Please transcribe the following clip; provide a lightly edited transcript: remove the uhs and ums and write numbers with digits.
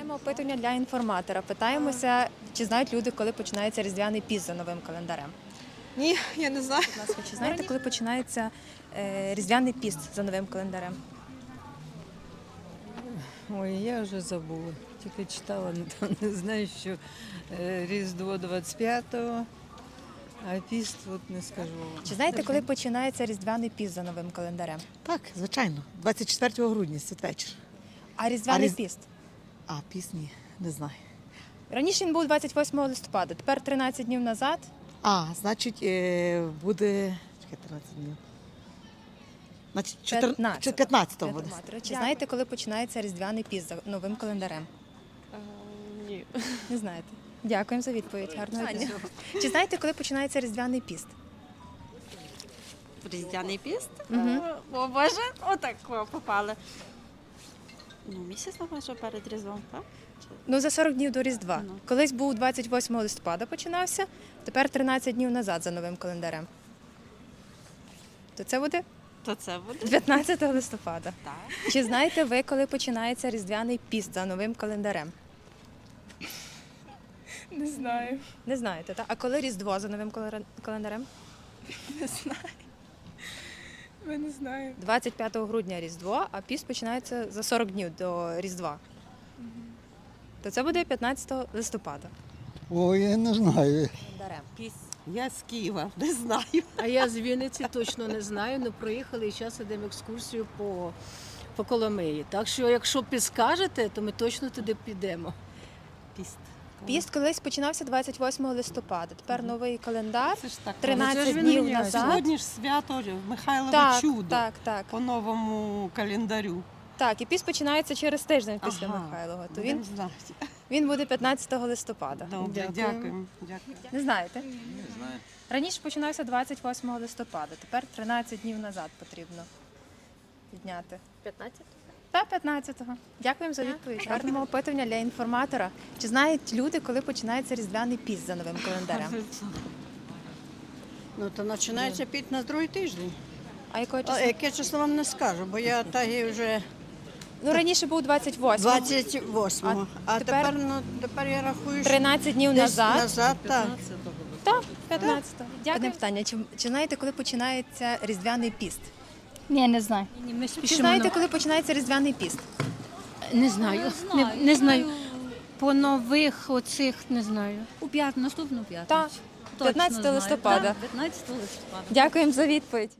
Проводимо опитування для інформатора. Питаємося, чи знають люди, коли починається Різдвяний піст за новим календарем. Ні, я не знаю. Будь ласка, чи знаєте, коли починається Різдвяний піст за новим календарем? Ой, я вже забула. Тільки читала, не знаю, що Різдво 25-го, а піст от не скажу. Чи знаєте, коли починається Різдвяний піст за новим календарем? Так, звичайно. 24 грудня, святвечір. А Різдвяний А піст? А пісні не знаю. Раніше він був 28 листопада, тепер 13 днів назад. Значить, буде. Чекай, 13 днів. Значить, 15-го буде. Чи знаєте, коли починається Різдвяний піст за новим календарем? Ні. Не знаєте. Дякуємо за відповідь. Гарного дня. Чи знаєте, коли починається Різдвяний піст? Різдвяний піст? Мгм. О Боже, отак попали. Місяць, напевно, перед Різдвом, так? Ну, за 40 днів до Різдва. Ну. Колись був 28 листопада починався, тепер 13 днів назад за новим календарем. То це буде То це буде 19 листопада. так. Чи знаєте ви, коли починається Різдвяний піст за новим календарем? Не знаю. Не знаєте, так? А коли Різдво за новим календарем? Ми не знаємо. 25 грудня Різдво, а піст починається за 40 днів до Різдва. То це буде 15 листопада. Ой, я не знаю. Календарем. Я з Києва, не знаю. А я з Вінниці точно не знаю, але проїхали і зараз йдемо екскурсію по Коломиї. Так що, якщо підскажете, то ми точно туди підемо. Піст. Піст колись починався 28 листопада. Тепер новий календар. Це ж так. 13 днів назад. Сьогодні ж свято Михайлове Так, чудо так. по новому календарю. Так, і піст починається через тиждень після Ага. Михайлова. То Будемо він, знати. він буде 15 листопада. Добре, Дякую. дякуємо. Не знаєте? Не знаю. Раніше починався 28 листопада, тепер 13 днів назад потрібно підняти. 15? Та 15-го. Дякуємо за відповідь. Гарного опитування для інформатора. Чи знають люди, коли починається Різдвяний піст за новим календарем? Ну, то починається піт на другий тиждень. А якого А числа? яке число вам не скажу, бо я так і вже Ну, раніше був 28. 28-го. А тепер я рахую, що 13 днів десь назад. так. Так, 15-го. Дякую. Одне питання. Чи знаєте, коли починається Різдвяний піст? Ні, не знаю. Ні, ми Чи спішимо. знаєте, коли починається Різдвяний піст? Не знаю. Не знаю. По нових оцих не знаю. Наступну п'ятницю. Так, 15 листопада. 15 листопада. Дякуємо за відповідь.